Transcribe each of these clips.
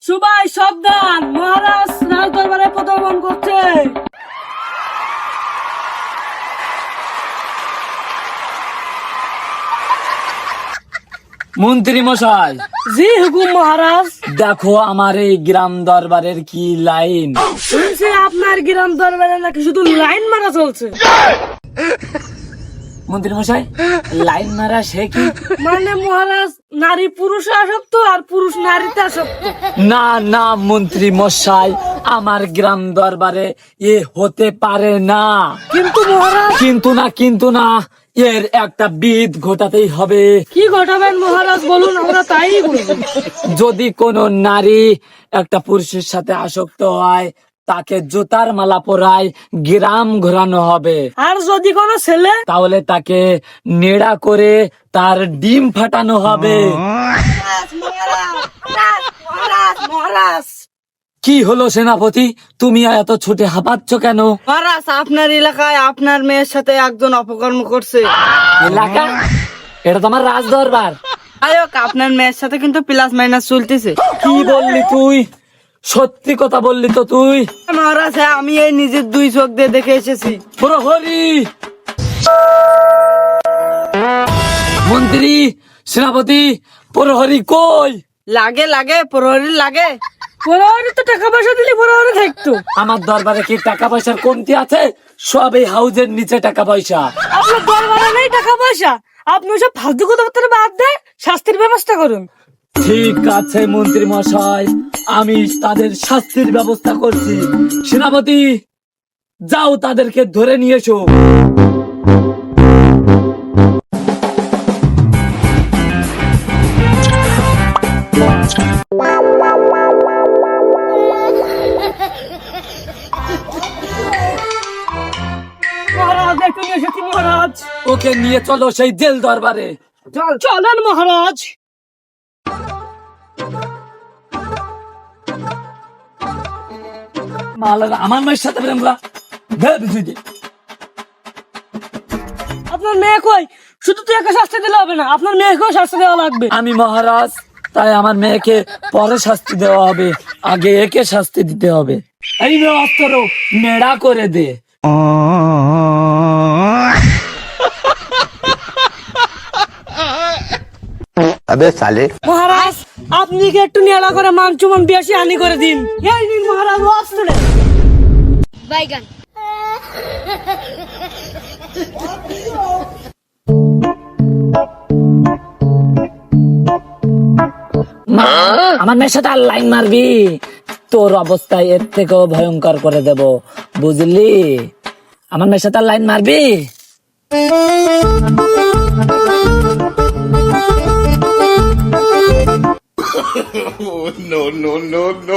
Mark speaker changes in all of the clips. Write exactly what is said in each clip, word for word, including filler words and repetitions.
Speaker 1: সবাই সাবধান, মহারাজ রাজ দরবারে পদার্পণ করছে।
Speaker 2: মন্ত্রী মশাই,
Speaker 1: জি হুকুম মহারাজ।
Speaker 2: দেখো আমার এই গ্রাম দরবারের কি লাইন।
Speaker 1: শুনছি আপনার গ্রাম দরবারে নাকি শুধু লাইন মারা চলছে।
Speaker 2: মন্ত্রী মশাই, লাইন মারা সে কি?
Speaker 1: মানে মহারাজ নারী পুরুষে আসক্ত আর পুরুষ নারীতে আসক্ত।
Speaker 2: না না মন্ত্রী মশাই, আমার গ্রাম দরবারে এ হতে পারে না।
Speaker 1: কিন্তু মহারাজ,
Speaker 2: কিন্তু না কিন্তু না, এর একটা বিধ ঘটাতেই হবে।
Speaker 1: কি ঘটাবেন মহারাজ বলুন, আমরা তাই বলবো।
Speaker 2: যদি কোনো নারী একটা পুরুষের সাথে আসক্ত হয়, তাকে জুতার মালা পরায় গ্রাম ঘোরানো হবে।
Speaker 1: আর যদি কোনো ছেলে,
Speaker 2: তাহলে তাকে নেড়া করে তার ডিম ফাটানো হবে।
Speaker 1: মহারাজ
Speaker 2: কি হলো সেনাপতি, তুমি এত ছুটে হাঁপাচ্ছ কেন?
Speaker 1: মহারাজ, আপনার এলাকায় আপনার মেয়ের সাথে একজন অপকর্ম করছে।
Speaker 2: এলাকা? এটা তোমার রাজ দরবার।
Speaker 1: আয়োক, আপনার মেয়ের সাথে কিন্তু প্লাস মাইনাস চলতেছে।
Speaker 2: কি বললি তুই? সত্যি কথা বললি তো তুই?
Speaker 1: মহারাজ, হ্যাঁ, আমি এই নিজের দুই চোখ দিয়ে দেখে এসেছি।
Speaker 2: প্রহরী, মন্ত্রী, সেনাপতি, প্রহরী কই?
Speaker 1: লাগে লাগে প্রহরী লাগে। প্রহরী তো টাকা পয়সা দিলে প্রহরী থাকতো।
Speaker 2: আমার দরবারে কি টাকা পয়সার কমতি আছে? সব এই হাউজের নিচে টাকা পয়সা।
Speaker 1: আপনার দরবারে নেই টাকা পয়সা? আপনি ওসব ফালতু কথাবার্তা বাদ দিয়ে শাস্তির ব্যবস্থা করুন।
Speaker 2: ঠিক আছে মন্ত্রী মশাই, আমি তাদের শাস্তির ব্যবস্থা করছি। সেনাপতি, যাও তাদেরকে ধরে নিয়ে এসো।
Speaker 1: মহারাজ, একটু নিয়ে এসেছি মহারাজ।
Speaker 2: ওকে নিয়ে চলো সেই জেল দরবারে।
Speaker 1: চল চলেন মহারাজ।
Speaker 2: মালারা আমার মায়ের সাথে প্রেম করা দে বিজুই দে।
Speaker 1: আপনার মেয়ে কই? শুধু তুই একা শাস্তি দিলে হবে না, আপনার মেয়েকেও শাস্তি দেওয়া লাগবে।
Speaker 2: আমি মহারাজ, তাই আমার মেয়েকে পরে শাস্তি দেওয়া হবে, আগে একে শাস্তি দিতে হবে। এই নে অস্ত্র, নেড়া করে দে।
Speaker 3: अबे साले
Speaker 1: মহারাজ, আপনি কি একটু নিয়ালা করে মান চুমান বেশি হানি করে দিন। এই নিন মহারাজ, অস্ত্র।
Speaker 4: বাইগান
Speaker 2: মা, আমার মেয়ের সাথে আর লাইন মারবি, তোর অবস্থা এর থেকেও ভয়ঙ্কর করে দেব, বুঝলি? আমার মেয়ের সাথে আর লাইন মারবি?
Speaker 3: no no no no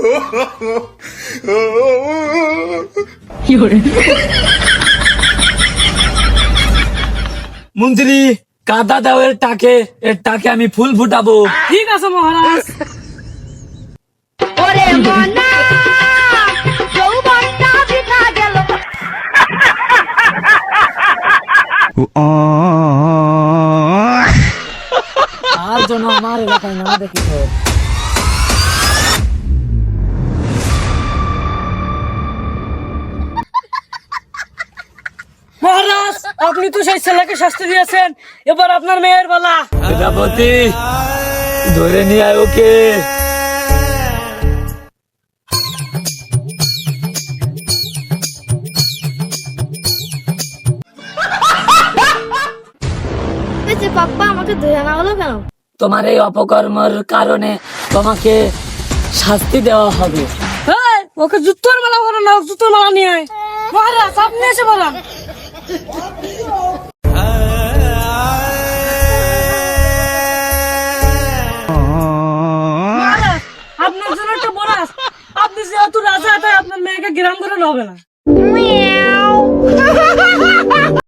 Speaker 2: মন্ত্রী, কাদা দাও এর টাকে, এর টাকে আমি ফুল ফুটাবো।
Speaker 1: ঠিক আছে মহারাজ।
Speaker 4: ওরে মনা যৌবনটা বৃথা গেল।
Speaker 2: আর জন্য আমার এলাকায় না দেখি তো।
Speaker 1: মহারাজ, আপনি তো সেই ছেলেকে শাস্তি দিয়েছেন, এবার আপনার মেয়ের বেলা।
Speaker 2: সেনাপতি, ধরে নিয়ে আয় ওকে।
Speaker 4: পাপ্পা আমাকে ধরে আনা হলো কেন?
Speaker 2: তোমার এই অপকর্মের কারণে তোমাকে শাস্তি দেওয়া হবে।
Speaker 1: হ্যাঁ, ওকে জুতোর মালা বলো না, জুতোর মালা নিয়ে আয়। মহারাজ, আপনি এসে বলেন। মহারাজ, আপনার জন্য একটা বোনাস। আপনি যেহেতু রাজা, তাই আপনার মেয়েকে গ্রাম করে হবে না।